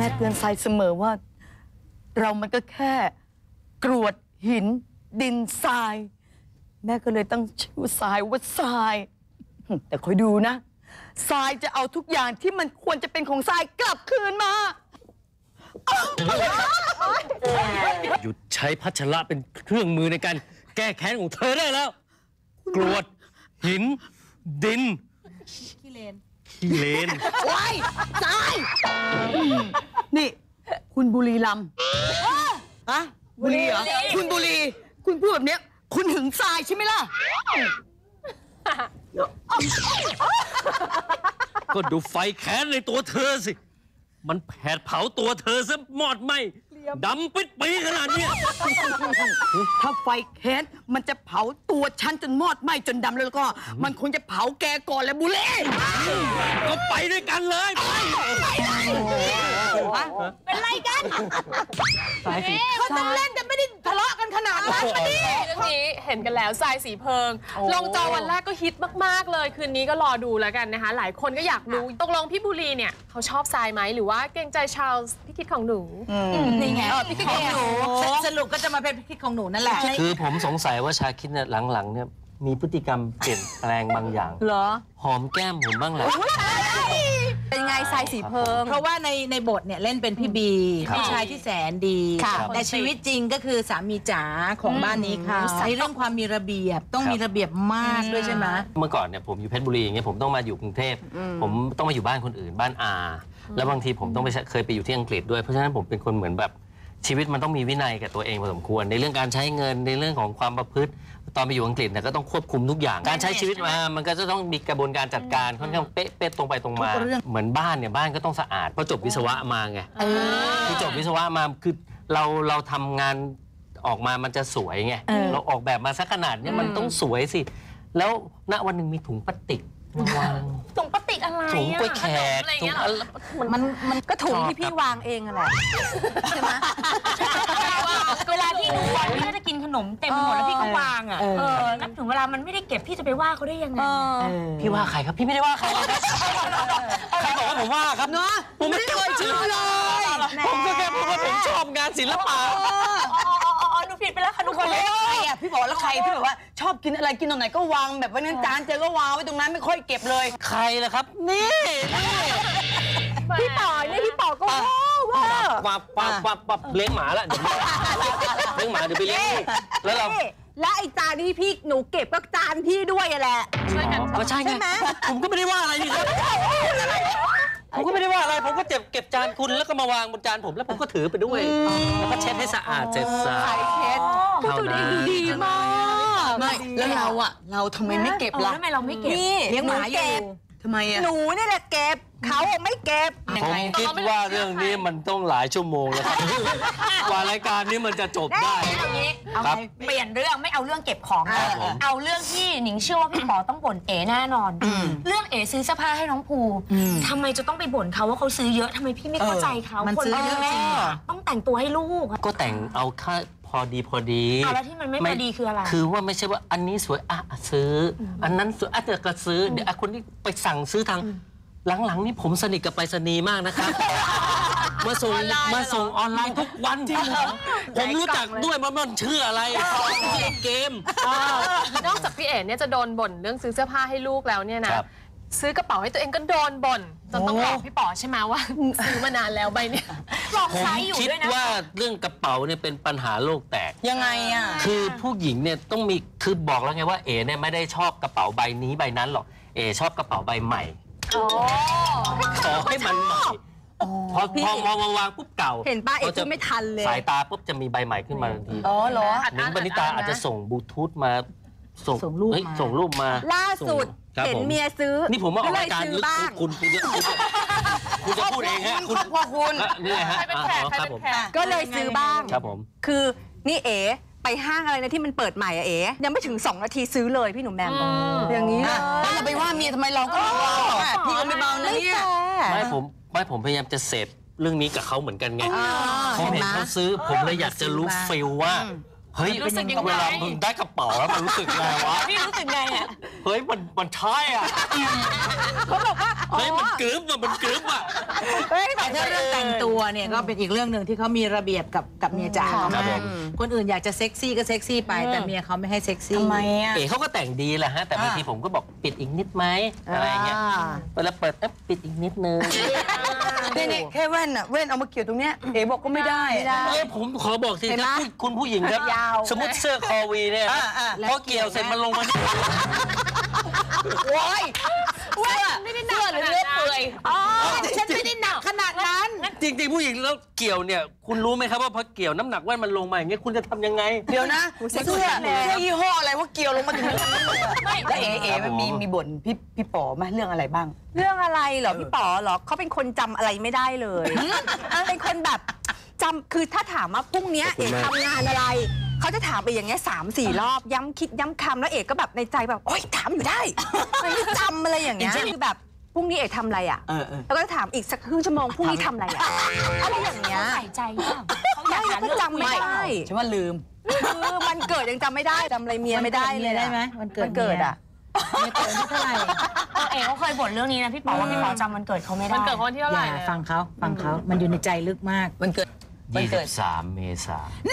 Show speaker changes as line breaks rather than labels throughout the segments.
เตือนทรายเสมอว่าเรามันก็แค่กรวดหินดินทรายแม่ก็เลยตั้งชื่อทรายว่าทรายแต่คอยดูนะทรายจะเอาทุกอย่างที่มันควรจะเป็นของทรายกลับคืนมา
หยุดใช้พัชระเป็นเครื่องมือในการแก้แค้นของเธอได้แล้วกรวดหินดินขี้เลน
ว้ายทรายนี่คุณบุรีรัมย์อะบุรีเหรอคุณบุรีคุณพูดแบบนี้คุณหึงทรายใช่ไหมล่ะ
ก็ดูไฟแค้นในตัวเธอสิมันแผดเผาตัวเธอซะมอดไหมดำปิดปีขนาดนี้
ถ้าไฟแค้นมันจะเผาตัวฉันจนมอดไหม้จนดำแล้วก็มันคงจะเผาแกก่อนแหละบุเล่
ก็ไปด้วยกันเลย
เป็นไรกัน
เขาต้องเล่นแต่ไม่ได้ทะเลาะกันขนาดนั้นมาดิ
เรื่องนี้เห็นกันแล้วทรายสีเพิงลงจอวันแรกก็ฮิตมากๆเลยคืนนี้ก็รอดูแล้วกันนะคะหลายคนก็อยากรู้ตกลงพี่บุรีเนี่ยเขาชอบทรายไหมหรือว่าเกรงใจชาวพี่คิดของหนู
นี่ไงพี่คิดของหนูสรุปก็จะมาเป็นพี่คิดของหนูนั่นแหละ
คือผมสงสัยว่าชาคิดเนี่ยหลังๆเนี่ยมีพฤติกรรมเปลี่ยนแปลงบางอย่าง
เหรอ
หอมแก้มผมบ้างแหละ
เป็นไงทรายสีเพิงเพราะว่าในบทเนี่ยเล่นเป็นพี่บีผู้ชายที่แสนดีแต่ชีวิตจริงก็คือสามีจ๋าของบ้านนี้ค่ะในเรื่องความมีระเบียบต้องมีระเบียบมากด้วยใช่ไหม
เมื่อก่อนเนี่ยผมอยู่เพชรบุรีอย่างเงี้ยผมต้องมาอยู่กรุงเทพผมต้องมาอยู่บ้านคนอื่นบ้านอาแล้วบางทีผมต้องไปเคยไปอยู่ที่อังกฤษด้วยเพราะฉะนั้นผมเป็นคนเหมือนแบบชีวิตมันต้องมีวินัยกับตัวเองพอสมควรในเรื่องการใช้เงินในเรื่องของความประพฤติตอนไปอยู่อังกฤษเนี่ยก็ต้องควบคุมทุกอย่างการใช้ชีวิตมามันก็จะต้องมีกระบวนการจัดการค่อนข้างเป๊ะตรงไปตรงมาเหมือนบ้านเนี่ยบ้านก็ต้องสะอาดเพราะจบวิศวะมาไงคือจบวิศวะมาคือเราทำงานออกมามันจะสวยไงเราออกแบบมาสักขนาดนี้มันต้องสวยสิแล้วณวันหนึ่งมีถุงพลาสติกวาง
ถุงพลาสติกอะไร
ถุงกล้วยแขกถุง
มันก็ถุงที่พี่วางเองอะไรใช่ไหม
เวลาพี่ดูบอลพี่ก็จะกินขนมเต็มหมดแล้วพี่ก็วางนับถึงเวลามันไม่ได้เก็บพี่จะไปว่าเขาได้ยังไง
พี่ว่าใครครับพี่ไม่ได้ว่าใครใครบอกว่าผมว่าครับ
เนาะ
ผมไม่เคยชื่อเลยผมก็แค่พูดว่าผมชอบงานศิลปะ
หนูผิดไปแล้วค่ะทุกคน
เลยใครอ่ะพี่บอกแล้วใครที่แบบว่าชอบกินอะไรกินตรงไหนก็วางแบบว่านั้นจานเจอก็วางไว้ตรงนั้นไม่ค่อยเก็บเลย
ใครล่ะครับนี่
พี่ต่อเนี่ยพี่ต่อก็
ว่าเลี้ยงหมาละเดี๋ยวเลี้ยงหมาเดี๋ยวไปเลี้ยงแล้วเรา
และไอ้จานที่พี่หนูเก็บก็จานพี่ด้วยแหละ
ช่วยกัน
ใช่ไหมผมก็ไม่ได้ว่าอะไรนี่ครับผมก็ไม่ได้ว่าอะไรผมก็เก็บจานคุณแล้วก็มาวางบนจานผมแล้วผมก็ถือไปด้วยแล้วก็เช็ดให้สะอาดเสร็จสะอาด
เช็ด
เท่านั้น
ดีมากไม่แล้วเราทำไมไม่เก็บล่ะ
ทำไมเราไม่เก็บ
เลี้ยงหมาอยู่
ทำไมอ่ะ
หนูนี่แหละเก็บเขาไม่เก็บ
ผมคิดว่าเรื่องนี้มันต้องหลายชั่วโมงแล้วครับกว่ารายการนี้มันจะจบได้
ครับเปลี่ยนเรื่องไม่เอาเรื่องเก็บของเอาเรื่องที่หนิงเชื่อว่าพี่ป๋อต้องบ่นเอ๋แน่นอนเรื่องเอ๋ซื้อเสื้อผ้าให้น้องภูทำไมจะต้องไปบ่นเขาว่าเขาซื้อเยอะทำไมพี่ไม่เข้าใจเขา
คนซื้อเยอะจริง
ต้องแต่งตัวให้ลูก
ก็แต่งเอาค่าพอดี
แล้วที่มันไม่พอดีคืออะไร
คือว่าไม่ใช่ว่าอันนี้สวยซื้ออันนั้นสวยแต่ก็ซื้อเดี๋ยวคนที่ไปสั่งซื้อทางหลังๆนี่ผมสนิทกับไปรษณีย์มากนะครับมาส่งออนไลน์ทุกวันที่ผมรู้จักด้วยมันชื่ออะไรเกม
นอกจากพี่เอ๋เนี่ยจะโดนบ่นเรื่องซื้อเสื้อผ้าให้ลูกแล้วเนี่ยนะซื้อกระเป๋าให้ตัวเองก็โดนบ่นจนต้องบอกพี่ป๋อใช่ไหมว่าซื้อมานานแล้วใบเนี่ย
ลองใช้อยู่ด้วยนะ
คิดว่าเรื่องกระเป๋าเนี่ยเป็นปัญหาโลกแตก
ยังไงอ่ะ
คือผู้หญิงเนี่ยต้องมีคือบอกแล้วไงว่าเอ๋เนี่ยไม่ได้ชอบกระเป๋าใบนี้ใบนั้นหรอกเอ๋ชอบกระเป๋าใบใหม่ขอให้มันใหม่พอวางปุ๊บเก่า
เห็นป้าเอ๋ไม่ทันเลย
สายตาปุ๊บจะมีใบใหม่ขึ้นมาทันที
เหรอ
หนิงปณิตาอาจจะส่งบลูทูธมาส่งรูปมา
ล่าสุดเห็นเมียซื้อ
นี่ผมว่าออกรายการลึกคุณจะพูดเองฮะ
คุณพ่อคุณ
นี่ฮะ
ก็เลยซื้อบ้าง
ครับผม
คือนี่เอ๋ไปห้างอะไรนะที่มันเปิดใหม่อะเอ๋ยังไม่ถึง2 นาทีซื้อเลยพี่หนุ่มแมม
อย่างนี้นะแล้วจะไปว่าเมียทำไมเราก็เบาพี่ก็ไม่เบานะเนี่ย
ไม่ผมพยายามจะเสพเรื่องนี้กับเขาเหมือนกันไงพอเห็นเขาซื้อผมเลยอยากจะรู้ฟิลว่าเฮ้ย
รู้สึกยังไง
เวลามึงได้กระเป๋าแล้วมันรู้สึกไงวะ
พี่รู้สึกไงอ่ะ
เฮ้ยมันใช่อ่ะเฮ้ยมันกรึ๊บอ่ะมันกรึ๊บอ่ะ
แต่ถ้าเรื่องแต่งตัวเนี่ยก็เป็นอีกเรื่องหนึ่งที่เขามีระเบียบกับเมียจ๋า
ครับผม
คนอื่นอยากจะเซ็กซี่ก็เซ็กซี่ไปแต่เมียเขาไม่ให้เซ็กซี่
ทำไมอ่ะ
เอ๋เขาก็แต่งดีแหละฮะแต่บางทีผมก็บอกปิดอีกนิดไหมอะไรอย่างเงี้ยเวลาเปิดปิดอีกนิดนึง
นี่แค่แว่นอ่ะแว่นเอามาเกี่ยวตรงเนี้ยเอ๋บอกก็ไม่ได้
ผมขอบอกสิครับคุณผู้หญิงครับสมมติเสื้อคอวีเนี่ยพอเกี่ยวเสร็จมันลงมา
โอ้ย
ไม่ได้หนักขนาดนั้น
ฉันไม่ได้หนักขนาดนั้น
จริงๆผู้หญิงแล้วเกี่ยวเนี่ยคุณรู้ไหมครับว่าพอเกี่ยวน้ำหนักแว่นมันลงมาอย่างเงี้ยคุณจะทำยังไง
เดี๋ยวนะเสื้อยี่ห้ออะไรว่าเกี่ยวลงมาถึงนั้นเลยอะแล้วเอ๋มันมีบ่นพี่ป๋อไหมเรื่องอะไรบ้าง
เรื่องอะไรเหรอพี่ป๋อเหรอเขาเป็นคนจำอะไรไม่ได้เลยเป็นคนแบบจำคือถ้าถามว่าพรุ่งเนี้ยเอกทำงานอะไรเขาจะถามไปอย่างเงี้ย3-4 รอบย้ำคิดย้ำคำแล้วเอกก็แบบในใจแบบโอ๊ยถามอยู่ได้ไม่จำอะไรอย่างเงี้ยคือแบบพรุ่งนี้เอกทำอะไรอ่ะแล้วก็ถามอีกสักครึ่งชั่วโมงพรุ่งนี้ทำอะไรอ่ะอะไรอย่างเงี้ย
ใส่ใจป่ะเขาอยากหา
ก็
เรื่อง
จำไม่ได้
ฉันว่าลืม
คือวันเกิดยังจำไม่ได้จำอะไรเมียไม่ได้เลย
ได้ไหมวันเกิด
วันเกิดอ่ะ
เมียเกิดที่เท่าไหร่
เอ๋เขาเคยบ่นเรื่องนี้นะพี่ป๋อว่าพี่ป๋อจำวันเกิดเขาไม่ได้
มันเกิดคนที่เท่า
อ
ไหร่
ย่า
เนี่ย
ฟังเขามันอยู่ในใจลึกมาก
มันเกิด
23 เมษายน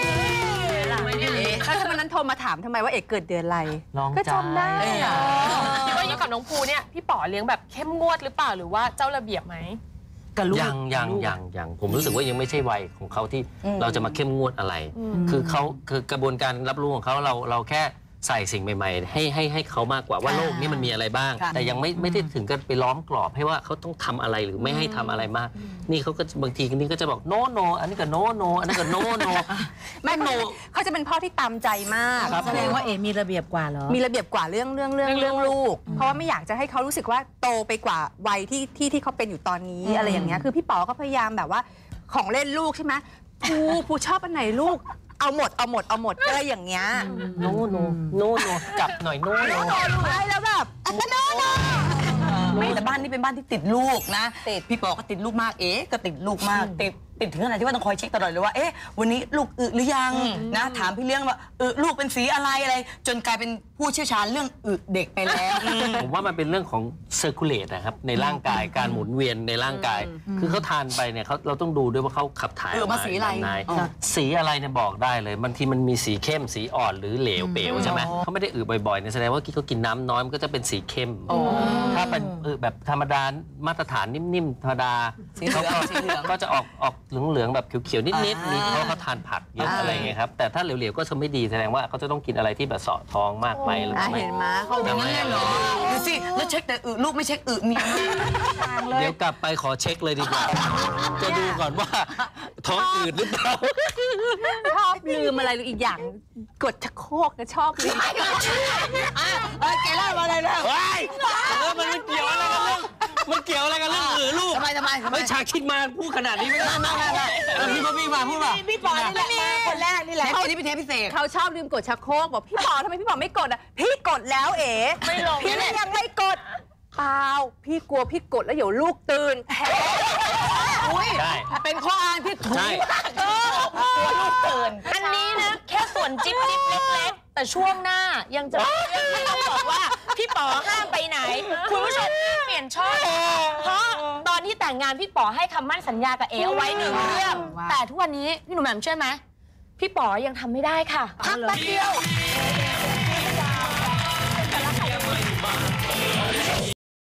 แล้วถ้าวันนั้นโทรมาถามทำไมว่าเอกเกิดเดือนอะไร
ลอง
ก็จำได้
ใจ
อะ
คิดว่าอยู่กับน้องภูเนี่ยพี่ป๋อเลี้ยงแบบเข้มงวดหรือเปล่าหรือว่าเจ้าระเบียบไหม
กับลูก
ยังผมรู้สึกว่ายังไม่ใช่วัยของเขาที่เราจะมาเข้มงวดอะไร คือกระบวนการรับรู้ของเขาเราแค่ใส่สิ่งใหม่ๆให้เขามากกว่าว่าโลกนี้มันมีอะไรบ้าง แต่ยังไม่ได้ถึงกันไปล้อมกรอบให้ว่าเขาต้องทำอะไรหรือไม่ให้ทำอะไรมาก นี่เขาก็บางทีนี่ก็จะบอกโนโนอันนี้ก็โนโนอันนั้นก็โนโน
ไม่เขาจะเป็นพ่อที่ตามใจมาก
แสดงว่าเอมีระเบียบกว่าเหรอ
มีระเบียบกว่าเรื่องลูก เพราะว่าไม่อยากจะให้เขารู้สึกว่าโตไปกว่าวัยที่เขาเป็นอยู่ตอนนี้อะไรอย่างเงี้ยคือพี่ป๋อก็พยายามแบบว่าของเล่นลูกใช่ไหมภูชอบอันไหนลูกเอาหมดอะไรอย่างเงี้ย
โนจับหน่อยโนโน
ใช่แล้วแบบโน
ไม่แต่บ้านนี้เป็นบ้านที่ติดลูกนะพี่ป๋อก็ติดลูกมากเอ๋ก็ติดลูกมากติดถึงขนาดที่ว่าต้องคอยเช็คตลอดเลยว่าเอ๊ะวันนี้ลูกอึหรือยังนะถามพี่เลี้ยงว่าลูกเป็นสีอะไรจนกลายเป็นผู้เชี่ยวชาญเรื่องอึเด็กไปแล้ว
ผมว่ามันเป็นเรื่องของเซอร์คูลเลตนะครับในร่างกายการหมุนเวียนในร่างกาย คือเขาทานไปเนี่ยเราต้องดูด้วยว่าเขาขับถ่ายออก
มาสีอะไร
แบบหนสีอะไรเนี่ยบอกได้เลยบางทีมันมีสีเข้มสีอ่อนหรือเหลวเป๋วใช่ไหมเขาไม่ได้อึบ่อยๆเนี่ยแสดงว่าเขากินน้ำน้อยมันก็จะเป็นสีเข้มถ้าเป็นแบบธรรมดามาตรฐานนิ่มๆธรรมดาเขาก็จะออกเหลืองๆแบบเขียวๆนิดๆนี่เพราะเขาทานผักเยอะอะไรเงี้ยครับแต่ถ้าเหลวๆก็จะไม่ดีแสดงว่าเขาจะต้องกินอะไรที่แบบเสาะท้องมากไปหรือไม่
เห็นไหมเขา
อย่างนั้นเลยเหรอดูสิแล้วเช็คแต่ลูกไม่เช็คเมีย
เดี๋ยวกลับไปขอเช็คเลยดีกว่า จะดูก่อนว่าท้องอืดหรือเปล่า
ชอบลืมอะไรหรืออีกอย่างกดชักโครกก็ชอบลืม
แกเล่าอะไรนะ
ว้ายมันไม่เกี่ยวอะไรกันเรื่องมันเกี่ยวอะไรกันเรื่องอือลูก
ทำไม
เฮ้ยชาคิดมาพูดขนาดนี้ไม่ได้พี่มาพูดมา
พี่ป๋อนี่แหละมาคนแรกนี่แหละ
เทปนี้เป็นเทปพิเศษ
เขาชอบลืมกดชักโครกบอกพี่ป๋อทำไมพี่ป๋อไม่กดอ่ะพี่กดแล้วเอ๋
ไม่ลง
พี่ยังไม่กดเปล่าพี่กลัวพี่กดแล้วเดี๋ยวลูกตื่น
ใช่
เป็นข้ออ้างที่ถูก
ใช่
ลูกตื่น
อันนี้นะแค่ส่วนจิ๊บเล็กๆแต่ช่วงหน้ายังจะที่ต้องบอกว่าพี่ป๋อห้ามไปไหน คุณผู้ชมเปลี่ยนช่องเพราะตอนที่แต่งงานพี่ป๋อให้คำมั่นสัญญากับเอ๋เอาไว้1 เรื่องแต่ทุกวันนี้พี่หนุ่มแหม่มเชื่อไหมพี่ป๋อยังทำไม่ได้ค่ะพักแป๊บเดียว